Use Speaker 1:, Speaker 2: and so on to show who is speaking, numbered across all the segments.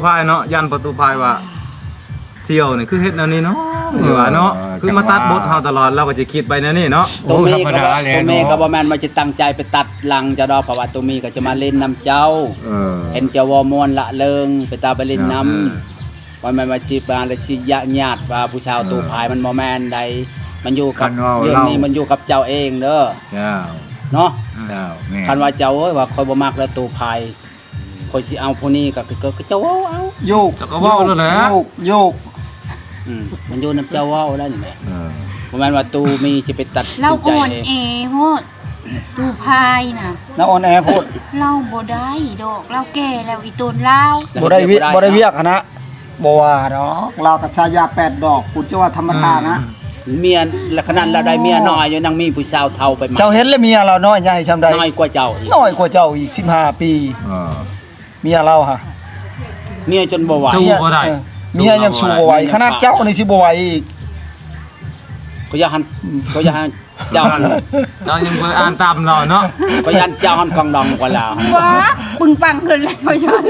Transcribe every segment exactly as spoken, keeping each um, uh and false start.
Speaker 1: พายเนาะยันประตูพายว่าเที่ยวนี่คือเฮ็ดแนวนี้เนาะหรือว่าเนาะคือมาตัดบทเฮาตลอดเราก็จะคิดไปแนวนี้เนาะ
Speaker 2: ตัวมีก็บ่ตัวมีก็บ่แม่นว่าจะตั้งใจไปตัดหลังจะดอกเพราะว่าตัวมีก็จะมาเล่นน้ำเจ้า
Speaker 3: เออ
Speaker 2: เห็นเจ้าวอมวนละเลิงไปตาไปเล่นน้ำว่ามันมาสิบาและสิญาญาติว่าผู้ชาวตูพายมันบ่แม่นใดมันอยู่กับเรื่องนี้มันอยู่กับเจ้าเองเด้อ
Speaker 3: เจ้า
Speaker 2: เนาะ
Speaker 3: เจ้าแม่
Speaker 2: คันว่าเจ้าเอ้ยว่าคอยบ่มักแล้วตูพายคอยสิเอาผู้นี้ก็ก็เจ้าเว้าเอา
Speaker 4: โยก
Speaker 1: ก็เว้าแล้วแหละ
Speaker 4: โยกโยก
Speaker 2: อืมมันอยู่นำเจ้าเว้าแล้วนี่แหละเออบ่แม่นว่าตูมีสิไปตัด
Speaker 5: เราอ่อนแอโหดตูพายน่ะ
Speaker 4: เราอ่อนแอโพด
Speaker 5: เราบ่ได้ดอกเราแก่แล้วอีตนเรา
Speaker 4: บ่ได้วิบ่ได้เวียกนะบ่ว่าดอกเราก็สายาแปดดอกกูจะว่าธรรมดานะ
Speaker 2: เมียละขนาดเราได้เมียน้อยอยู่นางมีผู้สาวเฒ่าไปมา
Speaker 4: เจ้าเห็นแล้วเมียเราน้อยใหญ่ซำใด
Speaker 2: น้อยกว่าเจ้าอีก
Speaker 4: น้อยกว่าเจ้าอีกสิบห้าปีเออเมียเราฮะ
Speaker 2: เมียจนบ่ไหว
Speaker 1: สู้บ่ได้
Speaker 4: เมียยังสู้บ่ไหวขนาดเจ้านี่สิบ่ไหวอีก
Speaker 2: ก็อย่าหันก็อย่าหันเจ้าหัน
Speaker 1: เจ้ายังบ่อ่านตามเราเนาะ
Speaker 2: ก็ยันเจ้าหันกองดองกว่าลาว
Speaker 5: ว้าปึงปังขึ้นเลยพ่อฉัน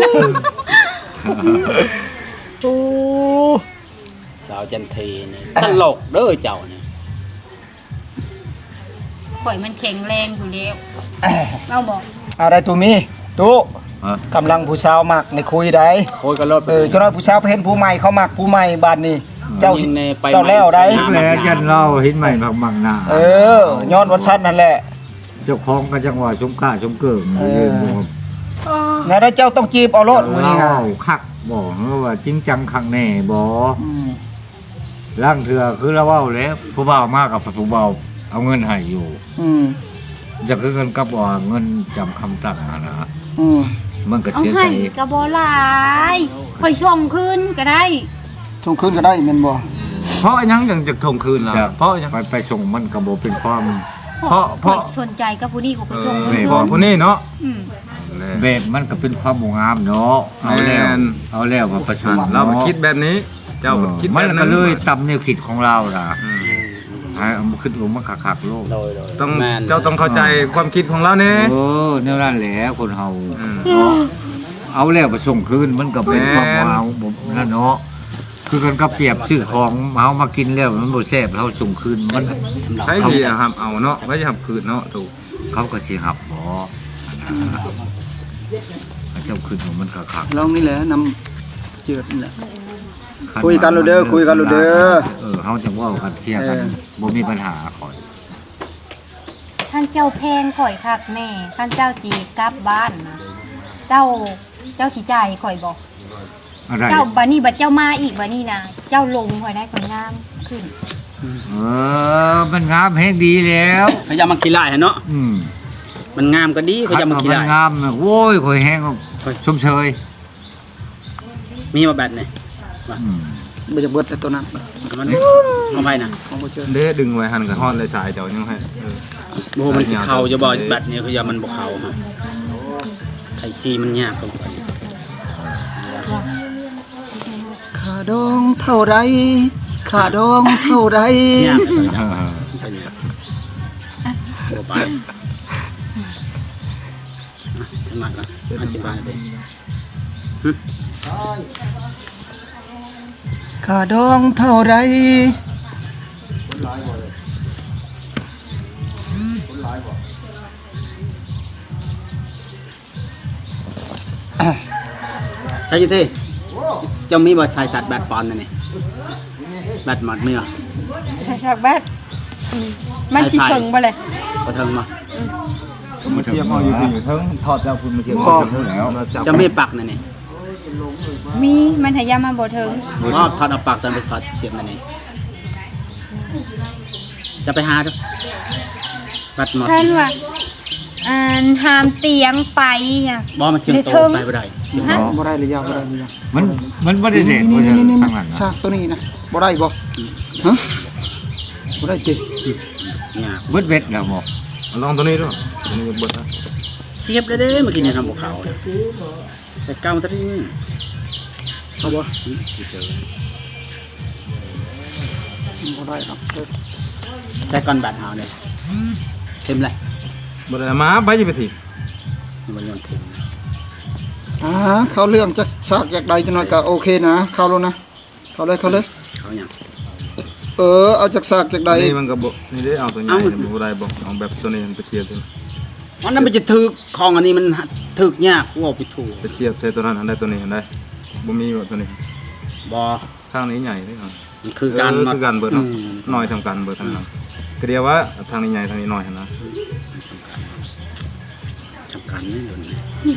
Speaker 4: โอ้
Speaker 2: สาวจันทีนี่ตลกเด้อเจ้านี่
Speaker 5: ข่อยมันแข็งแรงอยู่แล้วเราบอก
Speaker 4: อะไรตัวมีตู้กำลังผู้สาวมักในคุยได้
Speaker 2: คุยกันรถ
Speaker 4: เออเจ้าน้อยผู้สาวเห็นผู้ใหม่เขามักผู้ใหม่บาดนี้เจ้าเจ้าแล้วได้
Speaker 3: แล้วยันเราเห็นใหม่มักหน้า
Speaker 4: เออย้อนวัดชั้นนั่นแหละ
Speaker 3: เจ้าของก็จังหวะสมกล้าสมเกิง
Speaker 4: ไงได้เจ้าต้องจีบเอารถมื้อนี้ฮะ
Speaker 3: คักบอกว่าจริงจังคักแน่บ่ร่างเถื่อคือเราเว้าแล้วผู้บ่าวมากกับผู้บ่าวเอาเงินให้อยู่อืมจะคือกันกับว่าเงินจำคำตั้งนะอืมมันก็เสียใจ
Speaker 5: ก็บ่หลายค่อยส่งคืนก็ได้
Speaker 4: ส่งคืนก็ได้แม่นบ่
Speaker 1: เพราะยังยังจะส่งคืนล่ะเพราะยัง
Speaker 3: ไปไปส่งมันก็บ่เป็นความ
Speaker 5: เพราะเพราะสนใจกับผู้นี้ก็ไปส่งคืน
Speaker 1: เพราะผู้นี้เนาะ
Speaker 3: แบบมันก็เป็นความงามเนาะเอาแล้วเอาแล้วว่าประชาชน
Speaker 1: เราคิดแบบนี้เจ้าคิดแบบ
Speaker 3: นั้นมันก็เลยตำแนวคิดของเราล่ะให้เอามาขึ้นลงมาคักๆโลก
Speaker 1: ต้องเจ้าต้องเข้าใจความคิดของเราเนี่ย
Speaker 3: เออแนวนั้นแหละคนเฮาเอาแล้วไปส่งคืนมันก็เป็นความงามนั่นเนาะคือกันก็เปรียบซื้อของเฮามากินแล้วมันบ่แซ่บเฮาส่งคืนมัน
Speaker 1: ใครสิหับเอาเนาะบ่สิหับคืนเนาะถูก
Speaker 3: เขาก็สิหับบ่เจ้าคืนของมันคัก
Speaker 4: ๆลองนี่แหละนำเจือดนี่แหละคุยกันโลดเด้อคุยกันโลดเด้อ
Speaker 3: เออเฮาจังเว้ากันเคลียร์กันบ่มีปัญหาข่อย
Speaker 5: ท่านเจ้าแพงข่อยคักแม่ท่านเจ้าสิกลับบ้านนะเจ้าเจ้าสิจ่ายข่อยบ่เจ้าบัดนี้บัดเจ้ามาอีกบัดนี้นะเจ้าลงข่อยได้คนงามขึ้น
Speaker 3: เออมันงามแฮงดีแล้ว
Speaker 2: เขาจะมาขี้ลายเนาะอืมมันงามก็ดีเขาจะมาขี้ลาย
Speaker 3: มันงามโว้ยข่อยแฮงชมเชย
Speaker 2: มีมาแบบไหน
Speaker 4: บ่จะเบิดแต่ตัวนั้น
Speaker 2: มันเอาไปนะ
Speaker 1: เด้ดึงไว้หั่นก็ฮ้อนเลยสายเจ้ายังให้
Speaker 2: โบ่มันเข้าจะบ่บัดนี้คืออย่ามันบ่เข้าฮะไผซีมันยากกว่า
Speaker 4: ค่าดองเท่าไรค่าดองเท่าไรยาก
Speaker 2: บ่ไปขึ้นมาก่อนอธิบายดิ
Speaker 4: ค่าดองเท่าไร
Speaker 2: ใช่ที่จะมีบทชายสัตว์แบดปอนนั่นนี่แบดหมดเมื่อ
Speaker 5: ใช่สักแบดมันชิเถิงไปเลย
Speaker 2: ก็เถิงมา
Speaker 1: มาเทียบเอาอยู่อยู่ทั้งถอดจากคุณมาเทียบแล้ว
Speaker 2: จะไม่ปักนั่นนี่
Speaker 5: มีมันหายามาบ่เถิง
Speaker 2: อ๋อถอดเอาปักตอนไปถอดเสียบนั่นนี่จะไปหาดูบัดหมด
Speaker 5: ท่านว่าอ่าหามเตียงไปอ่ะ
Speaker 2: บ่มันเชียงโตไปบ่ได้
Speaker 4: บ่ได้เลยยาวบ่ได้เลยยาว
Speaker 3: มันมันบ่ได้เด็ด
Speaker 4: นี่นี่ๆซากตัวนี้นะบ่ได้บ่ฮะบ่ได้ติ
Speaker 3: เนี่ยเบิดเบ็ดแล้วบ่
Speaker 1: ลองตัวนี้ดูตัวนี้เบิดนะ
Speaker 2: เสียบได้เด้เมื่อกี้เนี่ยทำบ่เข้าแต่เก่าตะนี้เอาบ่
Speaker 4: บ่ได้ครับ
Speaker 2: แต่ก่อนบาดเฮาเนี่ยเต็มเลย
Speaker 1: บ่ได้มาไปจะไปถีบ
Speaker 2: มันโยนเต็ม
Speaker 4: อ่าเข้าเรื่องจักซากจากใดจังหน่อยก็โอเคนะเข้าแล้วนะเข้าเลยเข้าเลย
Speaker 2: เขาหยัง
Speaker 4: เออเอาจากซากจากใด
Speaker 1: นี่มันก็บ่นี่ได้เอาตัวใหญ่เนี่ยบ่ได้บ่เอาแบบตัวนี้มันไปเชียบตัวนี้
Speaker 2: มันนั้นมันจะถึกของอันนี้มันถึกยากว่าไปถูก
Speaker 1: ไปเชียบใส่ตัวนั้นอันใดตัวนี้อันใดบ่มีบ่ตัวนี้
Speaker 2: บ่
Speaker 1: ข้างนี้ใหญ่เด้อ
Speaker 2: มันคือการ
Speaker 1: เออคือกันเบิดเนาะ
Speaker 2: อืม
Speaker 1: น้อยสำคัญเบิดทั้งนั้นก็เดียวว่าทางนี้ใหญ่ทางนี้น้อยหั่นนะ
Speaker 2: สำคัญนี่เดี๋ยวนี้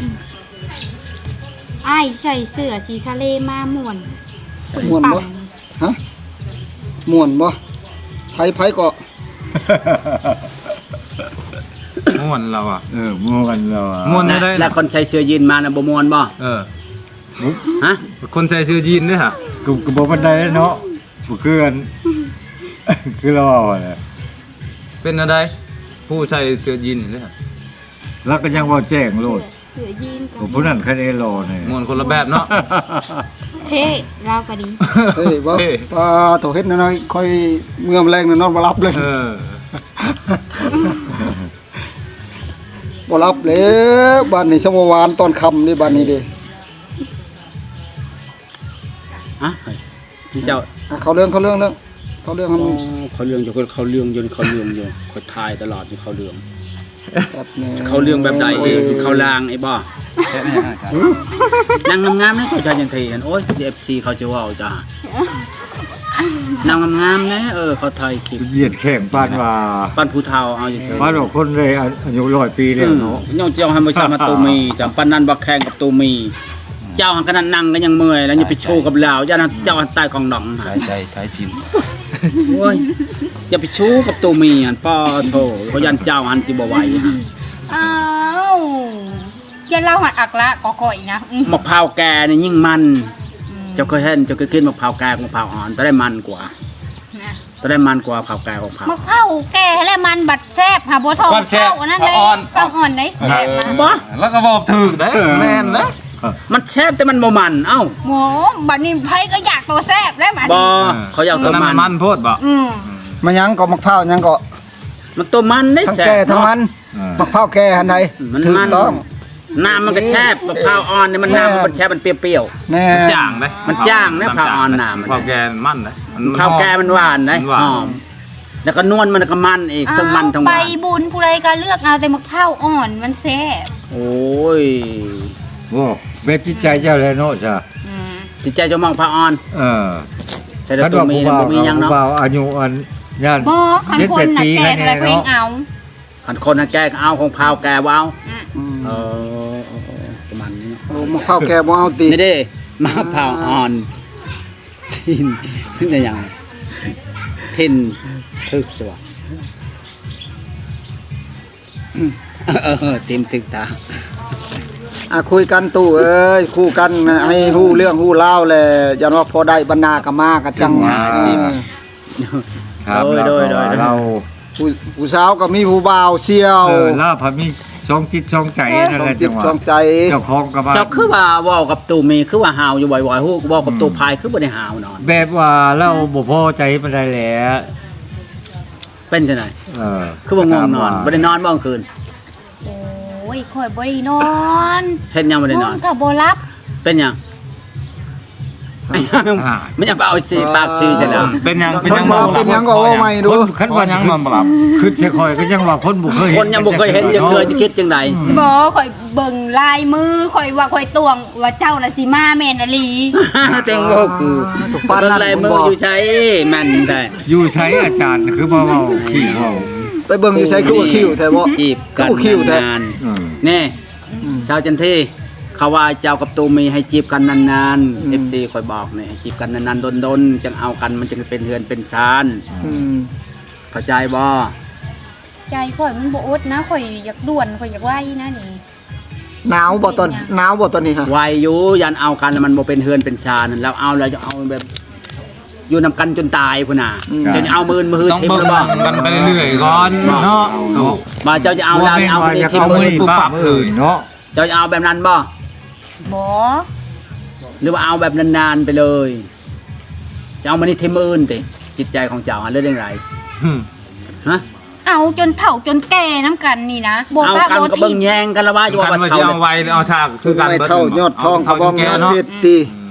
Speaker 5: อ้ายใส่เสื้อสีทะเลมาม่วน
Speaker 4: ม่วนบ่ฮะม่วนบ่ไผไผก็
Speaker 1: ม่วนเราอ่ะ
Speaker 3: เออม่วนเราอะ
Speaker 1: ม่วนได้ได้
Speaker 2: แล้วคนใส่เสื้อยีนมาน่ะบ่ม่วนบ่
Speaker 1: เออ
Speaker 2: ฮะ
Speaker 1: คนใส่เสื้อยีนด้วยฮะ
Speaker 3: กูกูบ่ปานใดเนาะบ่คืออัน คือเราเอาแหละ
Speaker 1: เป็นอะไรผู้ใส่เสื้อยีนด้วยฮะ
Speaker 3: แล้วก็ยังบ่แจ้งโลด
Speaker 5: เสื้อยีนกั
Speaker 3: ผมผู้นั้นคะแนนรอเนี่ย
Speaker 1: ม่วนคนละแบบเนาะ
Speaker 5: เท่เราก็ดี
Speaker 4: เฮ้ยบ่
Speaker 1: เฮ้ย
Speaker 4: ปลาโถเฮ็ดน้อยๆค่อยเมื่อมแรงนอนบ่รับเลย
Speaker 1: เออ
Speaker 4: บ่รับแล้วบ้านนี้สมวานตอนค่ำนี่บ้านนี้เด้
Speaker 2: ฮะเฮ้ยพี่เจ้า
Speaker 4: อ่ะเขาเรื่องเขาเรื่องเรื่องเขาเรื่องให้
Speaker 2: อ๋
Speaker 4: มั
Speaker 2: อน เขาเรื่องอยู่เขาเรื่องอยู่เขาเรื่องอยู่เขาทายตลอดอยู่เขาเรื่อง
Speaker 4: แบบนี้
Speaker 2: เขาเรื่องแบบใดเองเขาลางไอ้บ่นางงามๆนี่เขาจะยังทีกันโอ้ย เอฟ ซี เขาจะว่าจ้านางงามๆนะเออเขาถ่ายคลิป
Speaker 3: เหยียดแข่งปานว่า
Speaker 2: ปั้นผู้เฒ่าเอาอยู่เฉย
Speaker 3: ปานว่าคนเลยอายุร้อยปีแล้วเนาะ
Speaker 2: ย่องเจ้าให้มาชามาตูมีจำปั้นนั้นบักแข่งกับตูมี เจ้าหันขนาดนั่งก็ยังเมื่อยแล้วอย่าไปโชว์กับเราเจ้านั้นเจ้าหันใต้กองดอง
Speaker 1: สายใจสายสิน
Speaker 2: โอ้ยอย่าไปชู้กับตูมีหันป้อโถเขายันเจ้าหันสิบ่ไหว
Speaker 5: อ้าวอย่าเล่าหัดอักละก็ก่อยนะอืม
Speaker 2: มะพร้าวแก่นี่ยิ่งมัน เจ้าเคยเห็นเจ้าเคยกินมะพร้าวแก่กับมะพร้าวอ่อนแต่ได้มันกว่า
Speaker 5: นะ
Speaker 2: แต่ได้มันกว่ามะพร้าวแก่ของมะพร้าว
Speaker 5: มะพร้าวแก่และมันบัดแซ่บหาบัวทอง
Speaker 1: ความแซ่บ
Speaker 5: เข้านั่นเลย
Speaker 1: อ่อน
Speaker 5: ข้าวอ่อนเลยแซ่บมา
Speaker 2: บ่
Speaker 1: แล้วก็บอกถึกได้แม่นนะ
Speaker 2: มันแซ่บแต่มันบ่มันเอ้า
Speaker 5: หมูบัดนี้ไผก็อยากตัวแซ่บแล้วบัด
Speaker 2: บ่
Speaker 5: นี้
Speaker 2: เขาอยาก
Speaker 1: ตั
Speaker 2: ตัว ว
Speaker 1: นั้น
Speaker 2: มั
Speaker 1: มัน
Speaker 2: น
Speaker 1: มันโพดบ่
Speaker 5: อืม
Speaker 4: มายังก็มะพร้าวยังก็
Speaker 2: มันตัวมันได้
Speaker 4: ทั้ง
Speaker 2: แซ่บ
Speaker 4: แก่ทั้งมัน
Speaker 3: เออ
Speaker 4: มะพร้าวแก่หันใด
Speaker 2: มัน
Speaker 4: ถู
Speaker 2: มั
Speaker 4: ก
Speaker 2: น
Speaker 4: ต้อง
Speaker 2: น้ำมันก็แซ่บมะพร้าวอ่อนนี่มันน้ำมันแซ่บมันเปรี้ยว
Speaker 4: แน่
Speaker 1: จ่างเลย
Speaker 2: มันจ้างนะพาวออนน่ะมัน
Speaker 1: พาวแกนมันเลย
Speaker 2: ๆข้าวแก่มันหวานนะ
Speaker 1: มันหวา
Speaker 2: ห
Speaker 1: น
Speaker 2: อมแล้วก็นวลมันก็มันอีกทั้งมันทั้งห
Speaker 5: ไป
Speaker 2: วาน
Speaker 5: บุญผู้ใดก็เลือกเอาแต่มะพร้าวอ่อนมันแซ่บ
Speaker 2: โอ้ย
Speaker 3: โอ้แบบจิตใจเจ้าเลยเนาะจ้ะ
Speaker 5: อืม
Speaker 2: จิตใจเจะมองพาวออน
Speaker 3: เออ
Speaker 2: ใส่แต่ตัวมี
Speaker 3: ผู้
Speaker 2: นะ
Speaker 3: บ่าว
Speaker 2: บ่มีหยัง
Speaker 3: ผู้
Speaker 2: เนาะ
Speaker 3: บ่าวอายุอันย่าน
Speaker 5: บ่คันคนน่ะแก่อะไรเพลงเอา
Speaker 2: คันคนน่ะแกก็เอาของพาวแกบ่เอา
Speaker 5: อืม
Speaker 4: อืม
Speaker 2: เออเออเออประมาณนี้เนาะ
Speaker 4: โอ้มะพร้าวแก่บ่เอาตี
Speaker 2: นี่เด้มาพาวออนทินขึ้นได้ยังทินทึกจังหวะเออเต็มทึกตา
Speaker 4: อ่ะคุยกันตู้เอ้ยคู่กันนะให้ฮู้เรื่องฮู้เล่าวแหละยันว่าพอได้บรรณาก็มาก็จัง
Speaker 3: ว่า
Speaker 4: เออ
Speaker 3: ครับ
Speaker 2: โดยโดยโดย
Speaker 3: เรา
Speaker 4: ผู้ผู้สาวก็มีผู้บ่าวเสี่ยว
Speaker 3: เออลาพามีช่องจิตช่องใจนั่น
Speaker 4: สอ
Speaker 3: แห
Speaker 4: ง
Speaker 3: ละ
Speaker 4: จิ
Speaker 3: จั
Speaker 4: ต
Speaker 3: งหวะ
Speaker 4: สองใจ
Speaker 3: เจ้าของก็มา
Speaker 2: เจ้าคือว่าเว้ากับตูมีคือว่าหาวอยู่บ่อยๆฮู้เว้ากับตูพายคือบ่ได้หาวนอน
Speaker 3: แบบว่าเราบ่พอใจปานใดแหละ
Speaker 2: เป็นจังได๋
Speaker 3: เออ
Speaker 2: คือบ่ง่วงนอนบ่ได้นอนบ่กลางคืน
Speaker 5: โอ้ยข่อยบ่ได้นอน
Speaker 2: เฮ็ดหยังบ่ได้นอน
Speaker 5: ก็บ่รับ
Speaker 2: เป็นหยังมันยังไปเอาสิปากสิจังแล้ว
Speaker 1: เป็นยัง
Speaker 4: ค
Speaker 1: เป็น
Speaker 4: น
Speaker 1: ยัง
Speaker 4: บ่เป็นหยังก็ว่าใหม่ดู
Speaker 3: คนคันว่ายังนอนบ่หลับคือสิคอยก็ยังว่าคนบ่เคย
Speaker 2: คนยังบ่เคยเห็นจะเคยจะคิดจังได
Speaker 5: บ่ข่อยเบิ่งลายมือข่อยว่าข่อยตวงว่าเจ้าน่ะสิมาแม่นอหลี
Speaker 2: เต็งโลกคือ
Speaker 4: ถูกปานนั้น
Speaker 2: ลาย
Speaker 4: ผม
Speaker 2: มือ
Speaker 4: บอก
Speaker 2: อยู่ใช้แม่นได้
Speaker 3: อยู่ใช้อาจารย์คือบ่เว้าขี้เว้า
Speaker 4: ไปเบิ่งอยู่ใช้คือว่าคิวแท้บ่
Speaker 2: จีบกัน
Speaker 4: คือว่าคิวแท้
Speaker 2: นาน
Speaker 3: อืม
Speaker 2: ๆนี่ชาวจันทีเขาว่าเจ้ากับตูมีให้จีบกันนานๆ เอฟ ซี คอยบอกนี่ให้จีบกันนานๆดนๆจังเอากันมันจึงเป็นเฮือนเป็นซาน
Speaker 4: อืม
Speaker 2: เข้าใจบ่
Speaker 5: ใจข่อยมันบ่อดนะข่อยอยากด่วนข่อยอยากไว้นะนี่
Speaker 4: หนาวบ่ตอนหนาวบ่ตอนนี้ฮะ
Speaker 2: วายอยู่ยันเอากันแล้วมันบ่เป็นเฮือนเป็นชานแล้วเอาแล้วจะเอาแบบ อยู่นำกันจนตายพุ่นน่ะจะเอามือมือ
Speaker 1: ต้อง
Speaker 2: ทิ่ม
Speaker 1: เบิ่ง
Speaker 2: แล้วบ่
Speaker 1: กันไปเรื่อยๆก่อนเนาะ
Speaker 2: บ่เจ้าจะเอาแล้วเอา
Speaker 3: ว่า
Speaker 2: มือ
Speaker 3: จะ
Speaker 2: ทิ่ม
Speaker 3: เอา
Speaker 2: มื
Speaker 3: มื
Speaker 2: อ
Speaker 3: อป้าเอ้ยเนาะ
Speaker 2: เจ้าจะเอาแบบนั้นบ่
Speaker 5: บ่
Speaker 2: หรือว่าเอาแบบนานๆไปเลยจะเอามานี่ทิ่มมืออื่นติจิตใจของเจ้าหาเรื่องไร
Speaker 1: อืม
Speaker 2: ฮะ
Speaker 5: เอาจนเฒ่าจนแก่น้ำกันนี่นะบ่
Speaker 2: เอา
Speaker 5: พระ
Speaker 2: กัน
Speaker 5: บ่
Speaker 2: ก็
Speaker 5: ทิ
Speaker 2: เบิ่งแยงกันละว่าอยู่
Speaker 1: กัน
Speaker 2: ว่า
Speaker 1: ว่า
Speaker 2: เท่า
Speaker 1: จะเอาไว้เอาฉากคือกัน
Speaker 4: ไม่
Speaker 1: บิด
Speaker 4: เท่ายอดทองเขาบ่
Speaker 1: แก่
Speaker 4: งาน
Speaker 1: เนาะ
Speaker 4: เพชรตี
Speaker 1: อื